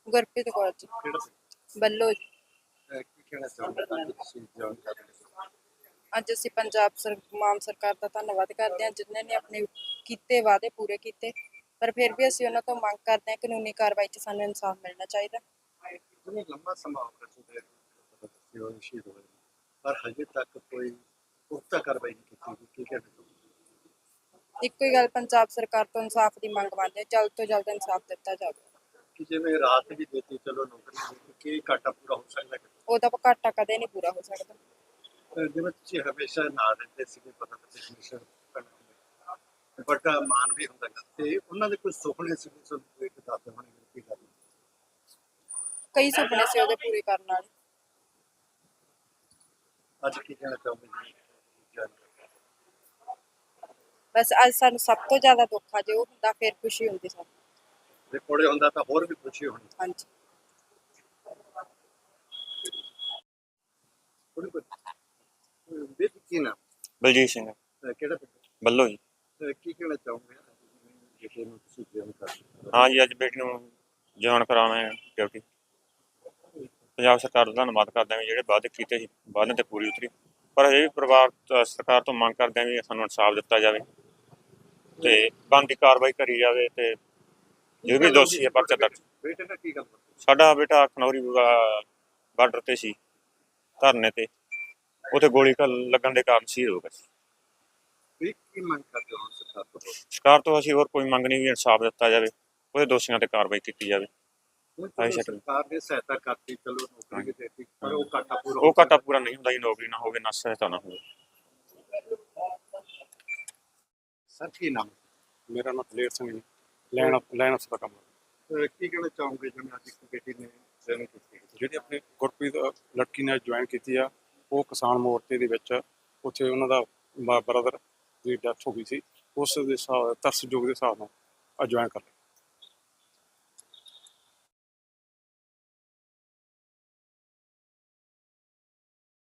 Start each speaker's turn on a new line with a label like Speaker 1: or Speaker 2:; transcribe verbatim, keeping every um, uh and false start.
Speaker 1: ਗੁਰਪ੍ਰੀਤ ਕੌਰ ਜੀ
Speaker 2: ਕਿਹੜਾ ਪਿੰਡ?
Speaker 1: ਬੱਲੋ।
Speaker 2: ਅਹ ਕੀ ਕਹਿਣਾ ਚਾਹੁੰਦੇ ਹੋ ਕਿ ਤੁਸੀਂ ਜੁਆਇਨ ਕਰ ਰਹੇ ਹੋ?
Speaker 1: ਅੱਜ ਅਸੀਂ ਪੰਜਾਬ ਸਰ ਮਾਨ ਸਰਕਾਰ ਦਾ ਧੰਨਵਾਦ ਕਰਦੇ ਹਾਂ ਜਿਨ੍ਹਾਂ ਨੇ ਆਪਣੇ ਕੀਤੇ ਵਾਅਦੇ ਪੂਰੇ ਕੀਤੇ, ਪਰ ਫਿਰ ਵੀ ਅਸੀਂ ਉਹਨਾਂ ਤੋਂ ਮੰਗ ਕਰਦੇ ਹਾਂ ਕਾਨੂੰਨੀ ਕਾਰਵਾਈ 'ਚ ਸਾਨੂੰ ਇਨਸਾਫ ਮਿਲਣਾ ਚਾਹੀਦਾ।
Speaker 2: ਜਿਵੇਂ ਲੰਮਾ ਸਮਾਂ ਹੋ ਗਿਆ ਤੁਹਾਡੇ ਤੁਸੀਂ ਉਹ ਸ਼ਹੀਦ ਹੋਏ, ਪਰ ਹਜੇ ਤੱਕ ਕੋਈ ਪੁਖਤਾ ਕਾਰਵਾਈ ਨਹੀਂ ਕੀਤੀ ਗਈ। ਕੀ ਕਹਿਣਾ ਚਾਹੁੰਦੇ ਹੋ?
Speaker 1: ਇੱਕੋ ਹੀ ਗੱਲ ਪੰਜਾਬ ਸਰਕਾਰ ਤੋਂ ਇਨਸਾਫ ਦੀ ਮੰਗ ਮੰਨਦੇ ਹਾਂ, ਜਲਦ ਤੋਂ ਜਲਦ ਇਨਸਾਫ ਦਿੱਤਾ ਜਾਵੇ।
Speaker 2: ਕਿ ਜਿਵੇਂ ਰਾਤ ਵੀ ਦਿੱਤੀ, ਚਲੋ ਨੌਕਰੀ ਦਿੱਤੀ, ਕੀ ਘਾਟਾ ਪੂਰਾ ਹੋ ਸਕਦਾ ਹੈ?
Speaker 1: ਉਹਦਾ ਘਾਟਾ ਕਦੇ ਨਹੀਂ ਪੂਰਾ ਹੋ ਸਕਦਾ।
Speaker 2: ਅਹ ਜਿਵੇਂ ਤੁਸੀਂ ਹਮੇਸ਼ਾ ਨਾਲ ਰਹਿੰਦੇ ਸੀਗੇ, ਪਤਾ ਤਾਂ ਹਮੇਸ਼ਾ ਵੱਡਾ ਮਾਨ ਵੀ ਹੁੰਦਾ ਗਾ, ਤੇ ਉਹਨਾਂ ਦੇ ਕੋਈ ਸੁਪਨੇ ਸੀ ਤੁਹਾਨੂੰ ਕੋਈ ਦੱਸਦੇ ਹੋਣੇ ਕੀ ਗੱਲ?
Speaker 1: ਕਈ ਸੁਪਨੇ ਸੀ ਉਹਦੇ ਪੂਰੇ ਕਰਨ ਵਾਲੇ।
Speaker 2: ਅੱਜ ਕੀ ਕਹਿਣਾ ਚਾਹੁੰਦੇ ਜੀ?
Speaker 1: ਬਸ ਅੱਜ ਸਾਨੂੰ ਸਭ ਤੋਂ ਜ਼ਿਆਦਾ ਦੁੱਖ ਆ, ਜੇ ਉਹ ਹੁੰਦਾ ਫਿਰ ਖੁਸ਼ੀ ਹੁੰਦੀ ਸਾਨੂੰ।
Speaker 2: ਜੇ ਕੋਲੇ ਹੁੰਦਾ ਤਾਂ ਹੋਰ ਵੀ ਖੁਸ਼ੀ ਹੋਣੀ।
Speaker 1: ਹਾਂਜੀ।
Speaker 2: ਥੋੜੀ ਕੋਈ ਵੀ ਕੀ ਨਾ
Speaker 3: ਬਲਜੀਤ ਸਿੰਘ
Speaker 2: ਕਿਹੜਾ ਪਿੰਡ?
Speaker 3: ਬੱਲੋ ਜੀ।
Speaker 2: ਅਹ ਕੀ ਕਹਿਣਾ ਚਾਹੁੰਦੇ ਜਿਹੜੇ ਨੂੰ ਤੁਸੀਂ ਜੁਆਇਨ ਕਰ ਰਹੇ ਹੋ?
Speaker 3: ਹਾਂ ਜੀ, ਅੱਜ ਬੇਟੀ ਨੂੰ ਜਵਾਨ ਕਰਾਉਣਾ ਹੈ ਡਿਊਟੀ। ਪੰਜਾਬ ਸਰਕਾਰ ਦਾ ਧੰਨਵਾਦ ਕਰਦੇ ਹਾਂ ਵੀ ਜਿਹੜੇ ਵਾਅਦੇ ਕੀਤੇ ਸੀ ਵਾਅਦਿਆਂ 'ਤੇ ਪੂਰੀ ਉਤਰੀ, ਪਰ ਇਹ ਵੀ ਪਰਿਵਾਰ ਤੋਂ ਸਰਕਾਰ ਤੋਂ ਮੰਗ ਕਰਦੇ ਹਾਂ ਵੀ ਸਾਨੂੰ ਇਨਸਾਫ ਦਿੱਤਾ ਜਾਵੇ ਅਤੇ ਬਣਦੀ ਕਾਰਵਾਈ ਕਰੀ ਜਾਵੇ ਅਤੇ ਜੋ ਵੀ ਦੋਸ਼ੀ ਹੈ ਪਰਚਾ ਦਰਜ।
Speaker 2: ਬੇਟੇ ਨਾਲ ਕੀ ਗੱਲ ਹੋਈ?
Speaker 3: ਸਾਡਾ ਬੇਟਾ ਖਨੌਰੀ ਬਾਰਡਰ 'ਤੇ ਸੀ ਧਰਨੇ 'ਤੇ, ਉੱਥੇ ਗੋਲੀ ਘ- ਲੱਗਣ ਦੇ ਕਾਰਨ ਸ਼ਹੀਦ ਹੋ ਗਿਆ ਸੀ।
Speaker 2: ਵੀ ਕੀ ਮੰਗ ਕਰਦੇ ਹੋ ਸਰਕਾਰ ਤੋਂ?
Speaker 3: ਸਰਕਾਰ ਤੋਂ ਅਸੀਂ ਹੋਰ ਕੋਈ ਮੰਗ ਨਹੀਂ ਵੀ ਇਨਸਾਫ ਦਿੱਤਾ ਜਾਵੇ, ਉਹਦੇ ਦੋਸ਼ੀਆਂ 'ਤੇ ਕਾਰਵਾਈ ਕੀਤੀ ਜਾਵੇ।
Speaker 2: ਹੁਣ
Speaker 3: ਆਹੀ
Speaker 2: ਚਲੋ
Speaker 3: ਸ਼ਕਲ।
Speaker 2: ਸਰਕਾਰ ਨੇ ਸਹਾਇਤਾ ਕਰਤੀ, ਚਲੋ ਨੌਕਰੀ ਵੀ ਦੇਤੀ, ਪਰ ਉਹ ਘਾਟਾ ਪੂਰਾ
Speaker 3: ਉਹ ਘਾਟਾ ਪੂਰਾ ਨਹੀਂ ਹੁੰਦਾ ਜੀ, ਨੌਕਰੀ ਨਾ ਹੋਵੇ ਨਾ ਸਹਾਇਤਾ ਨਾ ਹੋਵੇ।
Speaker 2: ਸਰ ਕੀ ਨਾਮ?
Speaker 4: ਮੇਰਾ ਨਾਮ ਦਲੇਰ ਸਿੰਘ ਜੀ, ਲੈਣ ਲੈਣ ਅਫਸਰ ਦਾ ਕੰਮ।
Speaker 2: ਅਹ ਕੀ ਕਹਿਣਾ ਚਾਹੋਗੇ ਜਿਵੇਂ ਅੱਜ ਇੱਕ ਬੇਟੀ ਨੇ ਜਨਮ ਕੀਤੀ?
Speaker 4: ਜਿਹੜੀ ਆਪਣੀ ਗੁਰਪ੍ਰੀਤ ਲੜਕੀ ਨੇ ਜੁਆਇਨ ਕੀਤੀ ਆ, ਉਹ ਕਿਸਾਨ ਮੋਰਚੇ ਦੇ ਵਿੱਚ ਉੱਥੇ ਉਹਨਾਂ ਦਾ ਬ੍ਰਦਰ ਦੀ ਡੈਥ ਹੋ ਗਈ ਸੀ, ਉਸ ਦੇ ਹਿਸਾਬ ਤਰਸਯੋਗ ਦੇ ਹਿਸਾਬ ਨਾਲ ਜੁਆਇਨ ਕਰ ਲਿਆ।